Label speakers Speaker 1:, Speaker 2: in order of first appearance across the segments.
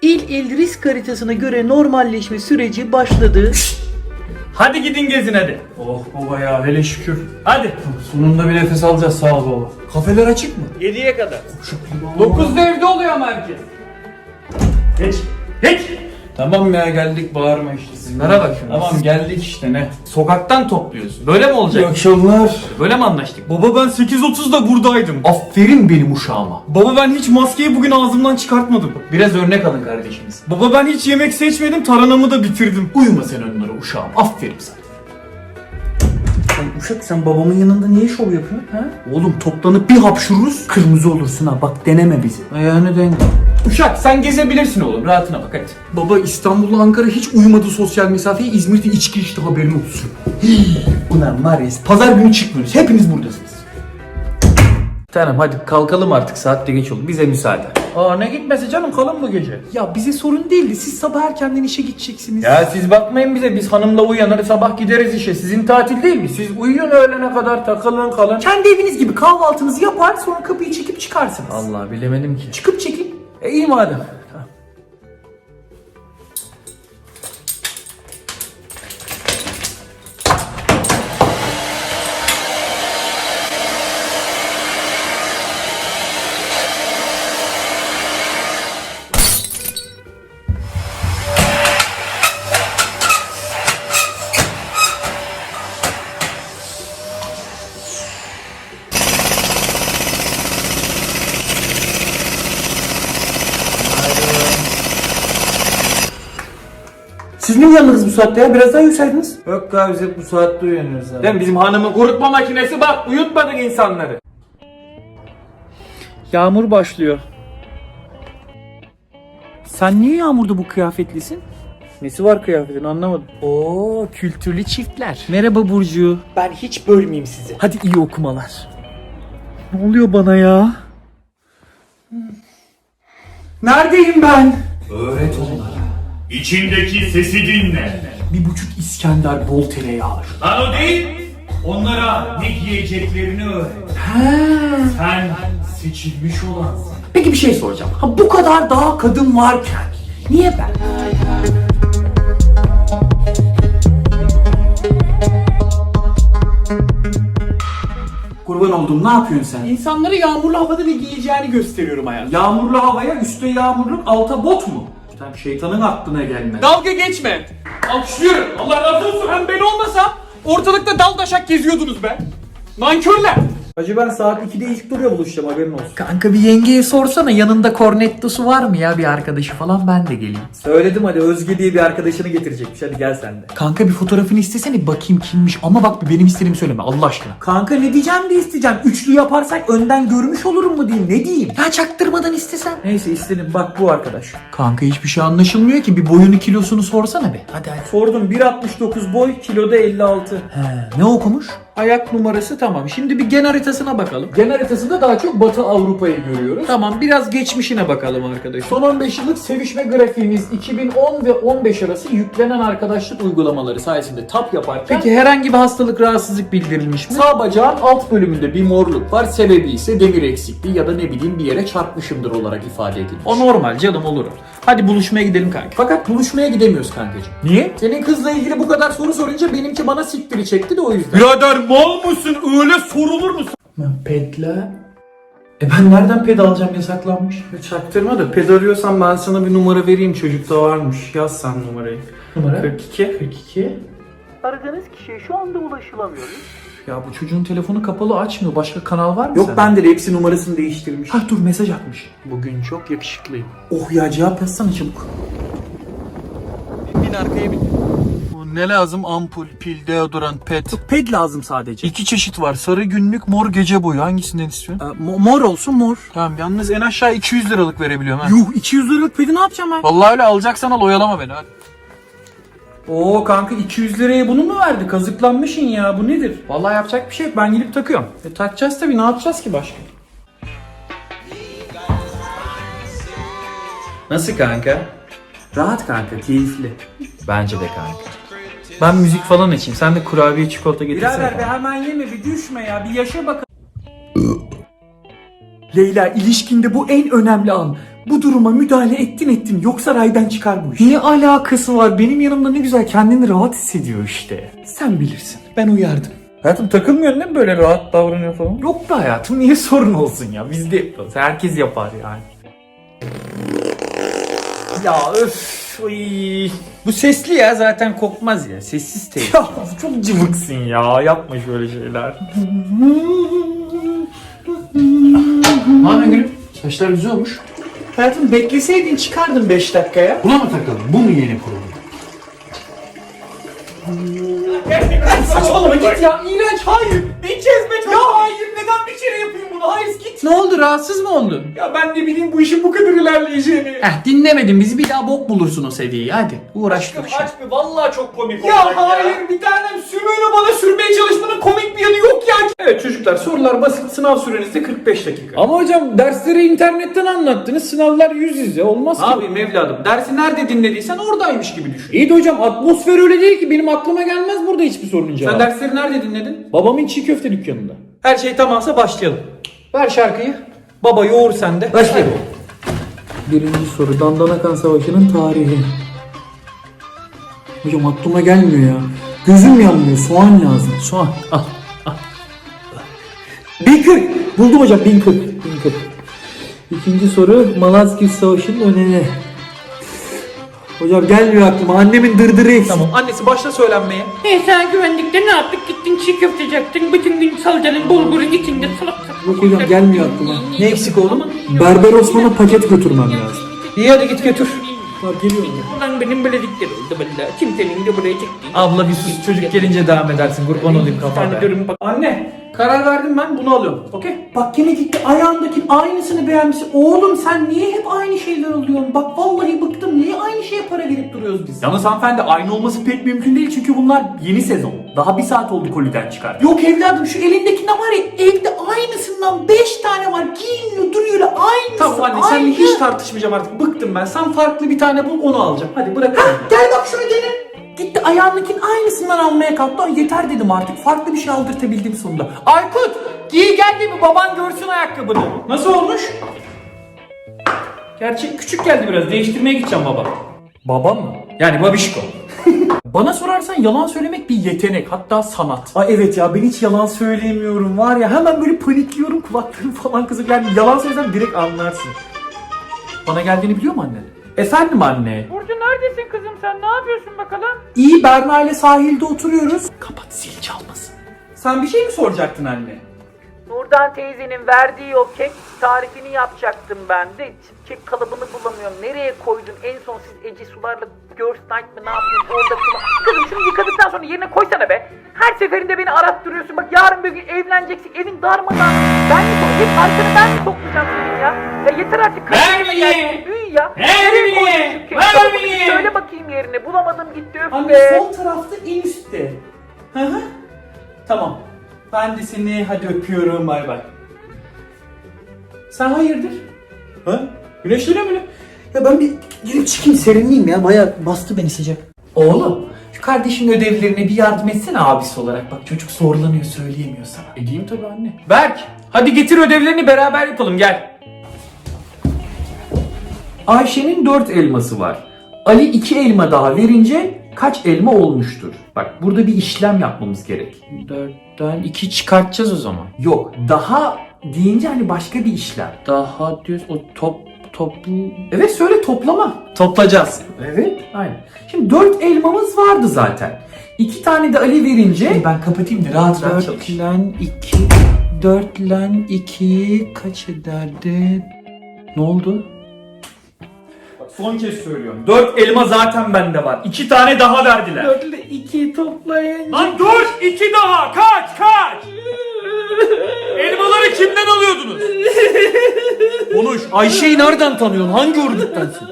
Speaker 1: İl il risk haritasına göre normalleşme süreci başladı.
Speaker 2: Hadi gidin gezin hadi. Oh baba ya hele şükür. Hadi. Sonunda bir nefes alacağız sağ ol baba. Kafeler açık mı?
Speaker 1: 7'ye kadar.
Speaker 2: 9'da evde oluyor ama herkes. Geç. Geç. Tamam ya geldik bağırma işte.
Speaker 3: Bunlara bakın.
Speaker 2: Tamam geldik işte ne? Sokaktan topluyoruz. Böyle mi olacak?
Speaker 3: İyi akşamlar.
Speaker 2: Böyle mi anlaştık?
Speaker 3: Baba ben 8.30'da buradaydım.
Speaker 2: Aferin benim uşağıma.
Speaker 3: Baba ben hiç maskeyi bugün ağzımdan çıkartmadım.
Speaker 2: Biraz örnek alın kardeşimiz.
Speaker 3: Baba ben hiç yemek seçmedim, taranamı da bitirdim.
Speaker 2: Uyuma sen onlara uşağım. Aferin sana.
Speaker 1: Uşak sen babamın yanında niye şov yapıyorsun? Ha?
Speaker 3: Oğlum toplanıp bir hapşururuz, kırmızı olursun ha. Bak deneme bizi.
Speaker 1: Ayağını denk.
Speaker 2: Uşak sen gezebilirsin oğlum. Rahatına bak hadi.
Speaker 3: Baba İstanbul'la Ankara hiç uymadı sosyal mesafeyi. İzmir'de içki içti haberin olsun.
Speaker 2: Ulan var ya pazar günü çıkmıyoruz. Hepiniz buradasınız. Tamam hadi kalkalım artık. Saat de geç oldu. Bize müsaade. Aa ne gitmesi canım kalın bu gece.
Speaker 3: Ya bize sorun değildi. Siz sabah erkenden işe gideceksiniz.
Speaker 2: Ya siz bakmayın bize. Biz hanımla uyanır sabah gideriz işe. Sizin tatil değil mi? Siz uyuyun öğlene kadar takılın kalın.
Speaker 3: Kendi eviniz gibi kahvaltınızı yapar sonra kapıyı çekip çıkarsınız.
Speaker 2: Allah bilemedim ki.
Speaker 3: Çıkıp çekin.
Speaker 2: İyi madem.
Speaker 3: Siz ne uyandınız bu saatte ya? Biraz daha uyusaydınız.
Speaker 2: Yok abi biz hep bu saatte uyanıyoruz abi. Değil mi? Bizim hanımın kurutma makinesi bak uyutmadık insanları.
Speaker 1: Yağmur başlıyor.
Speaker 3: Sen niye yağmurda bu kıyafetlisin?
Speaker 1: Nesi var kıyafetin anlamadım.
Speaker 3: Oo, kültürlü çiftler.
Speaker 1: Merhaba Burcu.
Speaker 3: Ben hiç bölmeyeyim sizi. Hadi iyi okumalar.
Speaker 1: Ne oluyor bana ya?
Speaker 3: Neredeyim ben?
Speaker 4: Öğret onlara. İçindeki sesi dinle.
Speaker 3: 1,5 İskender bol tereyağı.
Speaker 4: Lan o değil. Onlara ne giyeceklerini öğret. Sen seçilmiş olansın.
Speaker 3: Peki bir şey soracağım. Ha bu kadar daha kadın varken niye ben? Kurban olduğum ne yapıyorsun sen? İnsanlara yağmurlu havada ne giyeceğini gösteriyorum hayatım. Yağmurlu havaya üstte yağmurluk alta bot mu? Sen şeytanın aklına gelmez.
Speaker 5: Dalga geçme. Alkışlıyorum. Allah razı olsun. Hem ben olmasam ortalıkta dal daşak geziyordunuz be. Nankörler.
Speaker 1: Hacı ben saat 2'de ilk duruyor buluşacağım haberin olsun.
Speaker 3: Kanka bir yengeye sorsana yanında kornettosu var mı ya bir arkadaşı falan ben de geleyim.
Speaker 1: Söyledim hadi Özge diye bir arkadaşını getirecekmiş hadi gel sen de.
Speaker 3: Kanka bir fotoğrafını istesene bakayım kimmiş ama bak benim istediğimi söyleme Allah aşkına.
Speaker 1: Kanka ne diyeceğim de isteyeceğim. Üçlü yaparsak önden görmüş olurum mu diyeyim ne diyeyim.
Speaker 3: Ya çaktırmadan istesen.
Speaker 1: Neyse istedim bak bu arkadaş.
Speaker 3: Kanka hiçbir şey anlaşılmıyor ki bir boyunu kilosunu sorsana be. Hadi hadi.
Speaker 1: Sordum 1.69 boy kiloda 56.
Speaker 3: He, ne okumuş?
Speaker 1: Ayak numarası tamam. Şimdi bir gen haritasına bakalım.
Speaker 5: Gen haritasında daha çok Batı Avrupa'yı görüyoruz.
Speaker 1: Tamam biraz geçmişine bakalım arkadaş.
Speaker 5: Son 15 yıllık sevişme grafiğimiz 2010 ve 15 arası yüklenen arkadaşlık uygulamaları sayesinde tap yaparken
Speaker 1: Peki herhangi bir hastalık rahatsızlık bildirilmiş mi?
Speaker 5: sağ bacağın alt bölümünde bir morluk var. Sebebi ise demir eksikliği ya da ne bileyim bir yere çarpmışımdır olarak ifade edilmiş.
Speaker 1: O normal canım olur. Hadi buluşmaya gidelim kanka.
Speaker 5: Fakat buluşmaya gidemiyoruz kankacığım.
Speaker 1: Niye?
Speaker 5: Senin kızla ilgili bu kadar soru sorunca benimki bana siktiri çekti de o yüzden.
Speaker 3: Birader mal mısın öyle sorulur mu?
Speaker 1: Pedle. Ben nereden ped alacağım yasaklanmış? Çaktırma da ped arıyorsan ben sana bir numara vereyim çocukta varmış. Yaz sen numarayı.
Speaker 5: Numara?
Speaker 1: 42.
Speaker 6: Aradığınız kişiye şu anda ulaşılamıyor.
Speaker 3: Ya bu çocuğun telefonu kapalı açmıyor. Başka kanal var mı
Speaker 1: Yok
Speaker 3: sende?
Speaker 1: bende de hepsi numarasını değiştirmiş.
Speaker 3: Ha dur mesaj atmış.
Speaker 1: Bugün çok yakışıklıyım.
Speaker 3: Oh ya cevap yazsana çabuk.
Speaker 1: Bin arkaya bin.
Speaker 3: Ne lazım? Ampul, pil, deodorant, pet.
Speaker 1: Ped lazım sadece.
Speaker 3: 2 çeşit var. Sarı günlük, mor gece boyu. Hangisinden istiyorsun?
Speaker 1: Mor olsun mor.
Speaker 3: Tamam yalnız en aşağı 200 liralık verebiliyorum ha.
Speaker 1: Yuh 200 liralık pedi ne yapacağım ben?
Speaker 3: Vallahi öyle alacaksan al oyalama beni hadi.
Speaker 1: Oo kanka 200 liraya bunu mu verdi? Kazıklanmışsın ya bu nedir? Vallahi yapacak bir şey yok ben gidip takıyorum. Takacağız tabii ne yapacağız ki başka? Nasıl kanka? Rahat kanka keyifli.
Speaker 3: Bence de kanka. Ben müzik falan açayım. Sen de kurabiye çikolata getirsene.
Speaker 1: Birader be hemen yeme bir düşme ya bir yaşa bakalım.
Speaker 3: Leyla ilişkinde bu en önemli an. Bu duruma müdahale ettin yoksa raydan çıkar bu iş.
Speaker 2: Ne alakası var? Benim yanımda ne güzel kendini rahat hissediyor işte.
Speaker 3: Sen bilirsin. Ben uyardım.
Speaker 2: Hayatım takılmıyorsun değil mi böyle rahat davranıyor falan? Yok be hayatım, niye sorun olsun ya? Biz de yapıyoruz. Herkes yapar yani. Ya öf. Uy. Bu sesli ya, zaten kokmaz ya. Sessiz teyze. Ya çok cıvıksın ya. Yapma şöyle şeyler.
Speaker 3: Ne yapıyorsun gülüm? Saçlar güzel olmuş.
Speaker 2: Hayatım bekleseydin çıkardın 5 dakikaya.
Speaker 3: Buna mı takalım? Bu mu yeni program?
Speaker 5: Saçmalama git ya. İğrenç. Hayır. Bir kez be. Ya hayır. Neden bir kere yapayım bunu? Hayır git.
Speaker 2: Ne oldu, rahatsız mı oldun?
Speaker 5: Ya ben de bileyim bu işin bu kadar ilerleyeceğini.
Speaker 2: Dinlemedin bizi, bir daha bok bulursun o sevdiği. Hadi uğraş dur.
Speaker 5: Aç bir. Vallahi çok komik olacak ya. Hayır bir tanem sümüğünü bana sürmeye çalışmanın komik bir yanı yok ya.
Speaker 3: Evet çocuklar, sorular basit. Sınav süreniz de 45 dakika.
Speaker 2: Ama hocam dersleri internetten anlattınız, sınavlar yüz yüze olmaz ki.
Speaker 3: Ne yapayım evladım? Dersi nerede dinlediysen oradaymış gibi düşün.
Speaker 2: İyi de hocam atmosfer öyle değil ki, benim aklıma gelmez burada hiçbir sorunun cevabı.
Speaker 3: Sen dersleri nerede dinledin?
Speaker 2: Babamın çiğ köfte dükkanında.
Speaker 3: Her şey tamamsa başlayalım. Ver şarkıyı. Baba yoğur sende.
Speaker 2: Başlayalım. Birinci soru, Dandanakan Savaşı'nın tarihi. Hocam aklıma gelmiyor ya. Gözüm yanmıyor, soğan lazım. Soğan. Al. 1040. Buldum hocam, 1040. İkinci soru, Malazgirt Savaşı'nın önemi. Hocam gelmiyor aklıma, annemin dırdırı eksik.
Speaker 3: Tamam annesi başla söylenmeye.
Speaker 7: Sen güvenlikte ne yaptık? Gittin çiğ köfteci yaptın. Bütün gün salcanın bulgurun içinde salak salak.
Speaker 2: Yok hocam gelmiyor aklıma.
Speaker 3: Ne eksik oğlum?
Speaker 2: Berber Osman'a paket götürmem lazım.
Speaker 3: İyi hadi git götür.
Speaker 2: Geliyorum.
Speaker 7: Ulan benim beledikler oldu valla. Kimsenin de buraya çektiği.
Speaker 2: Abla bir sus, çocuk gelince devam edersin, kurban olayım kafada.
Speaker 7: Sanıyorum bak.
Speaker 3: Anne karar verdim ben, bunu alıyorum. Okey? Bak yine gitti ayağındaki aynısını beğenmişsin. Oğlum sen niye hep aynı şeyler alıyorsun? Bak vallahi bıktım. Niye aynı şeye para verip duruyoruz biz?
Speaker 5: Yalnız hanımefendi aynı olması pek mümkün değil çünkü bunlar yeni sezon. Daha bir saat oldu koliden çıkardı.
Speaker 3: Yok evladım şu elindekinde var ya, evde aynısından 5 tane var. Giyiniyor duruyor öyle aynısı. Tamam anne seninle hiç tartışmayacağım artık. Bıktım ben. Sen farklı bir tane bul, onu alacağım. Hadi bırak. Gel bak şunu dene. Gitti ayağındakinin aynısından almaya kalktı. Ay yeter dedim artık. Farklı bir şey aldırtabildim sonunda. Aykut giy gel de bir baban görsün ayakkabını. Nasıl olmuş? Gerçi küçük geldi biraz. Değiştirmeye gideceğim baba.
Speaker 2: Baba mı?
Speaker 3: Yani babişko. Bana sorarsan yalan söylemek bir yetenek, hatta sanat.
Speaker 2: Ay evet ya, ben hiç yalan söyleyemiyorum var ya, hemen böyle panikliyorum, kulaklarım falan kızık. Yani yalan söylesem direkt anlarsın.
Speaker 3: Bana geldiğini biliyor mu annen? Efendim anne.
Speaker 7: Burcu neredesin kızım sen? Ne yapıyorsun bakalım?
Speaker 3: İyi, Berna ile sahilde oturuyoruz. Kapat, zil çalmasın. Sen bir şey mi soracaktın anne?
Speaker 6: Nurdan teyzenin verdiği o kek tarifini yapacaktım ben de. Kek kalıbını bulamıyorum. Nereye koydun? En son siz Ece Sular'la Girls Night mı ne yapıyorsunuz orada kullan. Kızım şunu yıkadıktan sonra yerine koysana be. Her seferinde beni arattırıyorsun. Bak yarın bir gün evleneceksin. Evin darmadan. Ben mi hep arkanı ben mi toplayacağım senin ya? Ya yeter artık.
Speaker 5: Vermeyin!
Speaker 6: Büyü ya.
Speaker 5: Vermeyin!
Speaker 6: Nereye koydun şu kek
Speaker 5: Vermeyin!
Speaker 6: kalıbını? Söyle bakayım yerine. Bulamadım gitti öf
Speaker 3: Anne
Speaker 6: be.
Speaker 3: sol tarafta en üstte. Hı hı. Tamam. Ben de seni hadi öpüyorum, bay bay. Sen hayırdır? Ha? Güneşleniyor mu?
Speaker 2: Ya ben bir girip çıkayım, serinleyeyim ya, baya bastı beni sıcak.
Speaker 3: Oğlum şu kardeşin ödevlerine bir yardım etsene abisi olarak. Bak çocuk zorlanıyor, söyleyemiyor sana.
Speaker 5: Edeyim tabii anne.
Speaker 3: Berk hadi getir ödevlerini beraber yapalım, gel. Ayşe'nin 4 elması var. Ali 2 elma daha verince kaç elma olmuştur? Bak burada bir işlem yapmamız gerek.
Speaker 2: 4'ten 2 çıkartacağız o zaman.
Speaker 3: Yok, daha deyince hani başka bir işlem.
Speaker 2: Daha diyoruz o toplu...
Speaker 3: Evet söyle, toplama.
Speaker 2: Toplayacağız.
Speaker 3: Evet aynen. Şimdi 4 elmamız vardı zaten. 2 tane de Ali verince... Ben kapatayım da rahat rahat çalış.
Speaker 2: 4 lan 2... 4 lan 2 kaç ederdi? Ne oldu?
Speaker 5: Son kez söylüyorum. 4 elma zaten bende var. 2 tane daha verdiler.
Speaker 2: 4 ile 2'yi toplayın.
Speaker 5: Lan dur! 2 daha! Kaç! Elmaları kimden alıyordunuz?
Speaker 2: Konuş. Ayşe'yi nereden tanıyorsun? Hangi örgüttensin?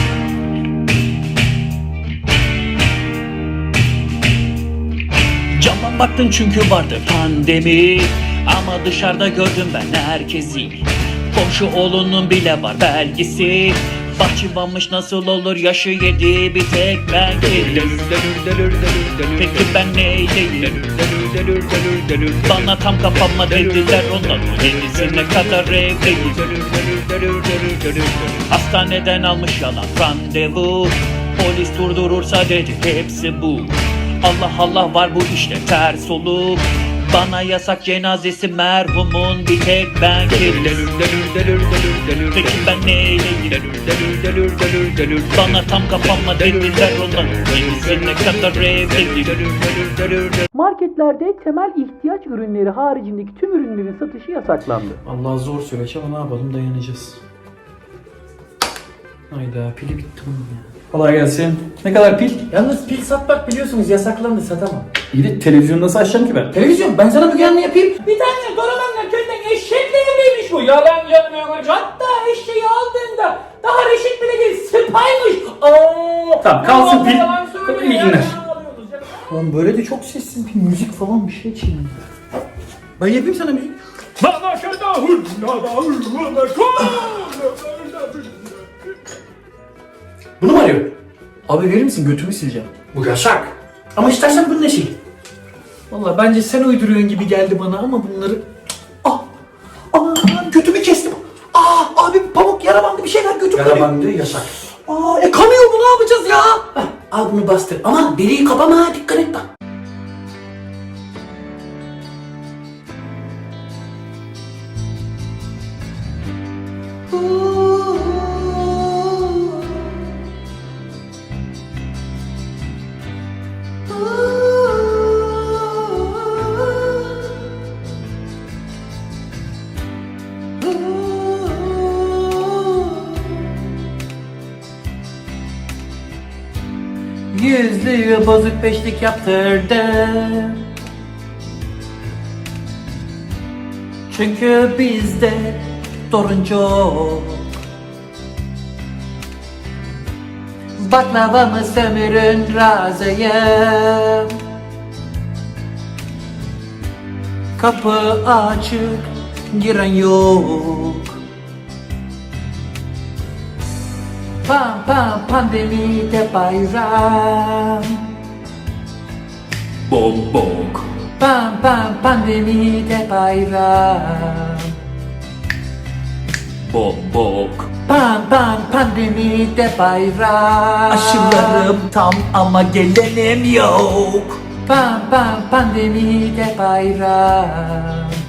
Speaker 8: Camdan baktın çünkü vardı pandemi. Ama dışarıda gördüm ben herkesi. Komşu oğlunun bile var belgesi. Bahçıvanmış nasıl olur yaşı yedi bir tek ben kedim. Peki ben neyleyim? Bana tam kapama dediler onların kendisine kadar evliyim. Hastaneden almış yalan randevu, polis durdurursa dedi hepsi bu. Allah Allah var bu işte ters olup, bana yasak cenazesi merhumun bir tek ben kedim. Peki ben neyleyim? Bana tam kapama dediler onların kendisine kadar evliyim.
Speaker 2: Marketlerde temel ihtiyaç ürünleri haricindeki tüm ürünlerin satışı yasaklandı.
Speaker 1: Allah zor süreç ama ne yapalım, dayanacağız. Hayda, pili bitti bunun ya. Kolay gelsin. Ne kadar pil?
Speaker 2: Yalnız pil satmak biliyorsunuz yasaklandı, satamam.
Speaker 1: İyi de televizyonu nasıl açacağım ki ben?
Speaker 2: Televizyon, ben sana Müge Anlı yapayım.
Speaker 5: Bir tane Doraman'la köyden eşekle evliymiş bu. Yalan yanmıyormuş. Hatta eşeği aldığında daha reşit bile değil. Sıpaymış.
Speaker 1: Tamam, kalsın pil.
Speaker 5: Yalan söylüyor
Speaker 1: İyi
Speaker 5: ya.
Speaker 1: günler.
Speaker 2: Lan böyle de çok sessiz bir müzik falan bir şey çiğnedim. Ben yapayım sana müzik. Bunu mu arıyor? Abi verir misin, götümü sileceğim.
Speaker 1: Bu yasak.
Speaker 2: Ama istersen bunu da sil. Valla bence sen uyduruyorsun gibi geldi bana ama bunları... Ah! Aa, götümü kestim. Abi pamuk yara bandı bir şeyler götüm
Speaker 1: Yara
Speaker 2: kanıyor.
Speaker 1: bandı yasak.
Speaker 2: Kanıyor bu, ne yapacağız ya? Al bunu bastır. Ama deliği kapama ha, dikkat et bak. Yüzlüğü bozuk beşlik yaptırdım. Çünkü bizde sorun çok. Baklavamı sömürün razıyım. Kapı açık, giren yok. Pam pam pandemide bayram.
Speaker 8: Bombok.
Speaker 2: Pam pam pandemide bayram.
Speaker 8: Bombok.
Speaker 2: Pam pam pandemide bayram.
Speaker 8: Aşılarım tam ama gelenim yok.
Speaker 2: Pam pam pandemide bayram.